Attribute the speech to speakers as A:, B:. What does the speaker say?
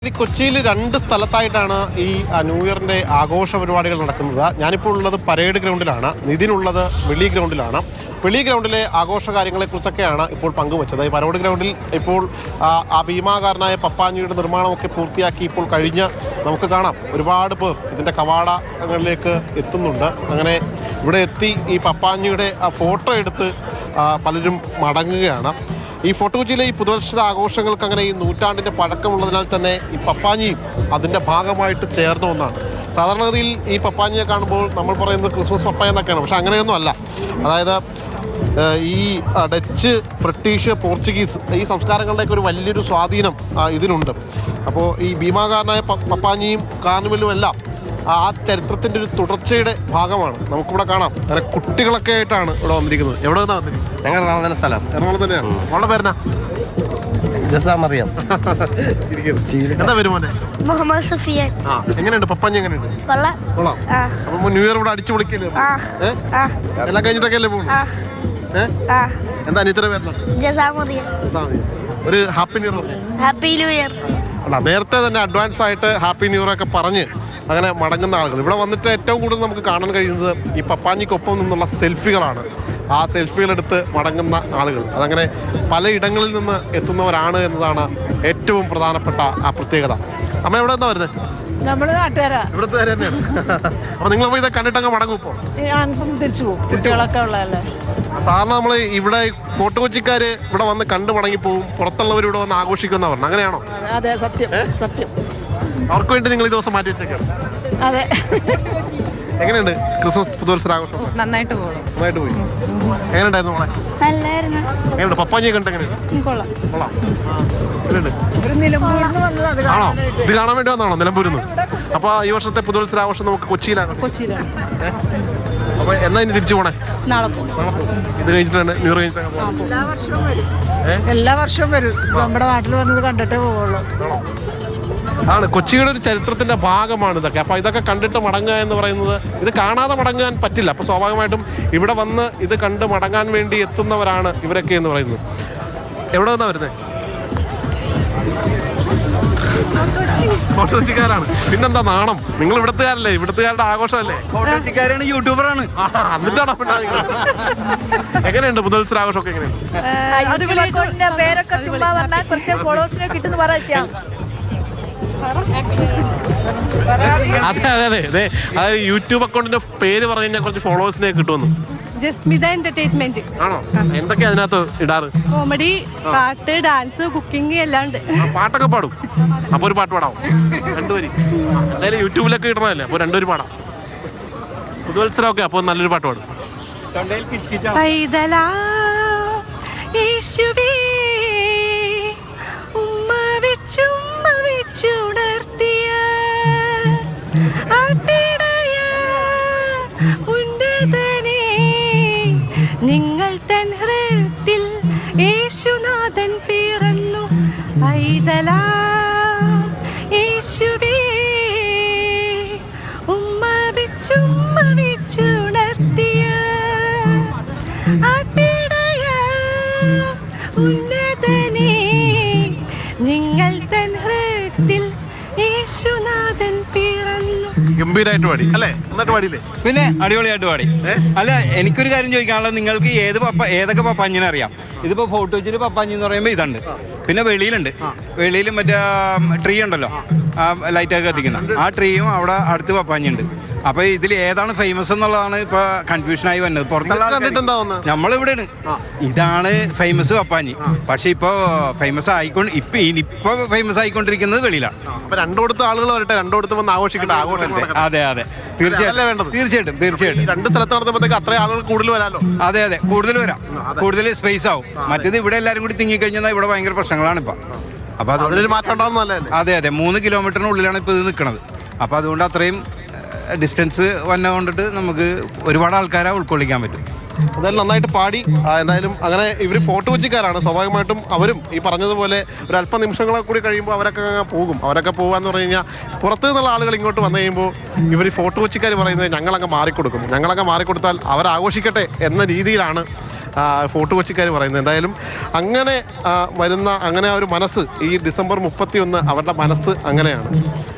A: കൊച്ചിയിൽ രണ്ട് സ്ഥലത്തായിട്ടാണ് ഈ ന്യൂ ഇയറിന്റെ ആഘോഷ പരിപാടികൾ നടക്കുന്നത്. ഞാനിപ്പോൾ ഉള്ളത് പരേഡ് ഗ്രൗണ്ടിലാണ്, നിതിനുള്ളത് വെളി ഗ്രൗണ്ടിലാണ്. വെളി ഗ്രൗണ്ടിലെ ആഘോഷ കാര്യങ്ങളെക്കുറിച്ചൊക്കെയാണ് ഇപ്പോൾ പങ്കുവച്ചത്. ഈ പരേഡ് ഗ്രൗണ്ടിൽ ഇപ്പോൾ ആ ഭീമാകാരനായ പപ്പാഞ്ഞിയുടെ നിർമ്മാണമൊക്കെ പൂർത്തിയാക്കി ഇപ്പോൾ കഴിഞ്ഞ് നമുക്ക് കാണാം ഒരുപാട് പേർ ഇതിൻ്റെ കവാടങ്ങളിലേക്ക് എത്തുന്നുണ്ട്. അങ്ങനെ ഇവിടെ എത്തി ഈ പപ്പാഞ്ഞിയുടെ ആ ഫോട്ടോ എടുത്ത് പലരും മടങ്ങുകയാണ്. ഈ ഫോർട്ട് കൊച്ചിയിലെ ഈ പുതുവത്സര ആഘോഷങ്ങൾക്ക് അങ്ങനെ ഈ നൂറ്റാണ്ടിൻ്റെ പഴക്കമുള്ളതിനാൽ തന്നെ ഈ പപ്പാഞ്ഞിയും അതിൻ്റെ ഭാഗമായിട്ട് ചേർന്ന ഒന്നാണ്. സാധാരണഗതിയിൽ ഈ പപ്പാഞ്ഞിയെ കാണുമ്പോൾ നമ്മൾ പറയുന്നത് ക്രിസ്മസ് പപ്പായ എന്നൊക്കെയാണ്, പക്ഷെ അങ്ങനെയൊന്നും അല്ല. അതായത് ഈ ഡച്ച്, ബ്രിട്ടീഷ്, പോർച്ചുഗീസ് ഈ സംസ്കാരങ്ങളുടെയൊക്കെ ഒരു വലിയൊരു സ്വാധീനം ഇതിനുണ്ട്. അപ്പോൾ ഈ ഭീമാകാരനായ പപ്പാഞ്ഞിയും കാർണിവലും എല്ലാം ആ ചരിത്രത്തിൻ്റെ ഒരു തുടർച്ചയുടെ ഭാഗമാണ്. നമുക്കിവിടെ കാണാം അങ്ങനെ കുട്ടികളൊക്കെ ആയിട്ടാണ് ഇവിടെ വന്നിരിക്കുന്നത്. എവിടെ നിന്നാണ് വന്നിരിക്കുന്നത്?
B: ഞങ്ങൾ എറണാകുളം സ്ഥലം.
A: എറണാകുളം തന്നെയാണ്. അവളുടെ പേരെന്നാ?
B: അറിയാം.
A: എന്താ പേര് മോനെ?
C: മുഹമ്മദ് സുഫിയാൻ.
A: എങ്ങനെയുണ്ട് പപ്പാഞ്ഞി? എങ്ങനെയുണ്ട്? കൊള്ളാം. അപ്പൊ ന്യൂ ഇയർ ഇവിടെ അടിച്ചു പൊളിക്കല്ലേ? എല്ലാം കഴിഞ്ഞിട്ടൊക്കെ അല്ലേ പോകുന്നു? എന്താ അനിയത്തിയുടെ പേരെന്നാ? ഒരു happy new year.
C: Happy new year.
A: അല്ല, നേരത്തെ തന്നെ അഡ്വാൻസ് ആയിട്ട് ഹാപ്പി ന്യൂ ഇയർ ഒക്കെ പറഞ്ഞ് അങ്ങനെ മടങ്ങുന്ന ആളുകൾ ഇവിടെ വന്നിട്ട് ഏറ്റവും കൂടുതൽ നമുക്ക് കാണാൻ കഴിയുന്നത് ഈ പപ്പാഞ്ഞിക്കൊപ്പം നിന്നുള്ള സെൽഫികളാണ്. ആ സെൽഫികളെടുത്ത് മടങ്ങുന്ന ആളുകൾ അതങ്ങനെ പലയിടങ്ങളിൽ നിന്ന് എത്തുന്നവരാണ് എന്നതാണ് ഏറ്റവും പ്രധാനപ്പെട്ട ആ പ്രത്യേകത. അമ്മ എവിടെ നിന്നാ വരുന്നത്?
D: നമ്മള് നാട്ടുകാരാ,
A: ഇവിടുത്തെ തന്നെയാണ്. അപ്പൊ നിങ്ങളപ്പോ ഇത് കണ്ടിട്ടങ്ങ് മടങ്ങും? ഇപ്പോൾ
D: തിരിച്ചു പോകും, കുട്ടികളൊക്കെ ഉള്ളതല്ലേ.
A: സാധാരണ നമ്മൾ ഇവിടെ ഫോർട്ട് കൊച്ചിക്കാര് ഇവിടെ വന്ന് കണ്ടു മടങ്ങിപ്പോവും, പുറത്തുള്ളവർ ഇവിടെ വന്ന് ആഘോഷിക്കുന്ന പറഞ്ഞു, അങ്ങനെയാണോ?
D: അതെ, സത്യം സത്യം.
A: അവർക്ക് വേണ്ടി നിങ്ങൾ ഈ ദിവസം മാറ്റി വെച്ചേക്കാണ്?
D: അതെ.
A: എങ്ങനെയുണ്ട് ക്രിസ്മസ് പുതുവത്സര ആഘോഷം?
D: നന്നായിട്ട് പോയി.
A: എങ്ങനെയുണ്ടായിരുന്നു മോളെ?
C: നല്ലായിരുന്നു.
A: എങ്ങനെയുണ്ട് പപ്പാഞ്ഞിയെ കണ്ട്? എങ്ങനെയുണ്ട്?
C: കൊള്ളാം.
A: ആണോ? ഇത് കാണാൻ വേണ്ടി വന്നാണോ നിലമ്പൂരിൽ നിന്ന്? അപ്പൊ ഈ വർഷത്തെ പുതുവത്സര ആഘോഷം നമുക്ക് കൊച്ചിയിലാണ്. അപ്പൊ എന്നാ ഇനി തിരിച്ചു പോണേ?
D: നാളെ
A: ഇത് കഴിഞ്ഞിട്ടാണ് ന്യൂ ഇയർ കഴിഞ്ഞിട്ടാണ്?
D: എല്ലാ വർഷവും വരും. നമ്മുടെ നാട്ടിൽ വന്നത് കണ്ടിട്ടേ പോവുള്ളൂ.
A: ആണ് കൊച്ചിയുടെ ഒരു ചരിത്രത്തിന്റെ ഭാഗമാണ് ഇതൊക്കെ. അപ്പൊ ഇതൊക്കെ കണ്ടിട്ട് മടങ്ങുക എന്ന് പറയുന്നത്, ഇത് കാണാതെ മടങ്ങാൻ പറ്റില്ല. അപ്പൊ സ്വാഭാവികമായിട്ടും ഇവിടെ വന്ന് ഇത് കണ്ട് മടങ്ങാൻ വേണ്ടി എത്തുന്നവരാണ് ഇവരൊക്കെ എന്ന് പറയുന്നത്. എവിടെ നിന്നാ വരുന്നത്? ഫോർട്ട് കൊച്ചിക്കാരാണ്. പിന്നെന്താ നാണം? നിങ്ങൾ ഇവിടുത്തുകാരല്ലേ? ഇവിടുത്തുകാരുടെ ആഘോഷമല്ലേ?
B: ഫോർട്ട് കൊച്ചിക്കാരാണ്, യൂട്യൂബറാണ്.
A: എന്നിട്ടാണോ? എങ്ങനെയുണ്ട് പുതുവത്സര ആഘോഷമൊക്കെ? എങ്ങനെയുണ്ട്?
D: പേരൊക്കെ ചുമ്മാ പറഞ്ഞാൽ കുറച്ച് ഫോളോവേഴ്സിനെ കിട്ടുന്ന പറയാം.
A: അതെ അതെ അതെ അതെ. അതായത് യൂട്യൂബ് അക്കൗണ്ടിന്റെ പേര് പറഞ്ഞു കഴിഞ്ഞാൽ കുറച്ച് ഫോളോവേഴ്സിനെ കിട്ടുമെന്ന്.
D: ജസ്മിത എന്റർടൈൻമെന്റ്
A: ആണോ? എന്തൊക്കെയാ അതിനകത്ത് ഇടാറ്?
D: കോമഡി, പാട്ട്, ഡാൻസ്, കുക്കിംഗ് എല്ലാം ഉണ്ട്.
A: പാട്ടൊക്കെ പാടും? അപ്പൊ ഒരു പാട്ട് പാടാം, രണ്ടുപേര്. എന്തായാലും യൂട്യൂബിലൊക്കെ ഇടണമല്ലേ, അപ്പൊ രണ്ടുപേര് പാടാം. പുതുവത്സരം ഒക്കെ അപ്പൊ നല്ലൊരു പാട്ട് പാടും.
D: ചുണർത്തിയ ഉന്നതനെ നിങ്ങൾ തൻ ഹൃത്തിൽ യേശുനാഥൻ പിറന്നു. പൈതലാ യേശുവേ ഉമ്മ വെച്ചുണർത്തിയ ഉന്നതനെ നിങ്ങൾ തൻ ഹൃത്തിൽ യേശുനാഥൻ പിറന്നു.
A: ഗംഭീരമായിട്ട് പാടി അല്ലേ? എന്നിട്ട് പാടിയില്ലേ?
B: പിന്നെ അടിപൊളിയായിട്ട് പാടി. അല്ല, എനിക്കൊരു കാര്യം ചോദിക്കാനുള്ളത്, നിങ്ങൾക്ക് ഏതൊക്കെ പപ്പാഞ്ഞിനെ അറിയാം? ഇതിപ്പോ ഫോർട്ട് കൊച്ചിയിൽ പപ്പാഞ്ഞി എന്ന് പറയുമ്പോൾ ഇതുണ്ട്, പിന്നെ വെളിയിലുണ്ട്. വെളിയിൽ മറ്റേ ട്രീ ഉണ്ടല്ലോ, ആ ലൈറ്റൊക്കെ കത്തിക്കുന്ന ആ ട്രീയും അവിടെ അടുത്ത് പപ്പാഞ്ഞിണ്ട്. അപ്പൊ ഇതിൽ ഏതാണ് ഫേമസ് എന്നുള്ളതാണ് ഇപ്പൊ കൺഫ്യൂഷനായി വന്നത്. പുറത്തുള്ള നമ്മളിവിടെയാണ്, ഇതാണ് ഫേമസ് പപ്പാഞ്ഞി. പക്ഷെ ഇപ്പൊ ഫേമസ് ആയിക്കൊണ്ടിരിക്കുന്നത് വെളിയിലാണ്.
A: അപ്പൊ രണ്ടോടത്ത് ആളുകൾ വരട്ടെ, രണ്ടോടത്ത് വന്ന് ആഘോഷിക്കട്ടെ.
B: അതെ അതെ, തീർച്ചയായിട്ടും.
A: രണ്ട് സ്ഥലത്ത് നടത്തുമ്പോഴത്തേക്ക് അത്ര ആളുകൾ കൂടുതൽ വരാമല്ലോ.
B: അതെ അതെ, കൂടുതൽ വരാം, കൂടുതൽ സ്പേസ് ആവും. മറ്റേത് ഇവിടെ എല്ലാരും കൂടി തിങ്ങിക്കഴിഞ്ഞാൽ ഇവിടെ ഭയങ്കര പ്രശ്നങ്ങളാണ് ഇപ്പൊ. അപ്പൊ
A: അതിലൊരു മാറ്റം ഉണ്ടാവുന്നതല്ലേ?
B: അതെ അതെ, 3 കിലോമീറ്ററിനുള്ളിലാണ് ഇപ്പൊ ഇത് നിൽക്കുന്നത്. അപ്പൊ അതുകൊണ്ട് അത്രയും ഡിസ്റ്റൻസ് വന്നുകൊണ്ടിട്ട് നമുക്ക് ഒരുപാട് ആൾക്കാരെ ഉൾക്കൊള്ളിക്കാൻ പറ്റും.
A: എന്തായാലും നന്നായിട്ട് പാടി. എന്തായാലും അങ്ങനെ ഇവർ ഫോർട്ട് കൊച്ചിക്കാരാണ്. സ്വാഭാവികമായിട്ടും അവരും ഈ പറഞ്ഞതുപോലെ ഒരു അല്പ നിമിഷങ്ങളെ കൂടി കഴിയുമ്പോൾ അവരൊക്കെ പോകും. അവരൊക്കെ പോകാന്ന് പറഞ്ഞു കഴിഞ്ഞാൽ പുറത്തു നിന്നുള്ള ആളുകൾ ഇങ്ങോട്ട് വന്നു കഴിയുമ്പോൾ ഇവർ ഫോർട്ട് കൊച്ചിക്കാർ പറയുന്നത് ഞങ്ങളങ്ങ് മാറിക്കൊടുക്കും. ഞങ്ങളങ്ങ് മാറിക്കൊടുത്താൽ അവരാഘോഷിക്കട്ടെ എന്ന രീതിയിലാണ് ഫോർട്ട് കൊച്ചിക്കാർ പറയുന്നത്. എന്തായാലും അങ്ങനെ വരുന്ന അങ്ങനെ ആ ഒരു മനസ്സ് ഈ ഡിസംബർ 31 അവരുടെ മനസ്സ് അങ്ങനെയാണ്.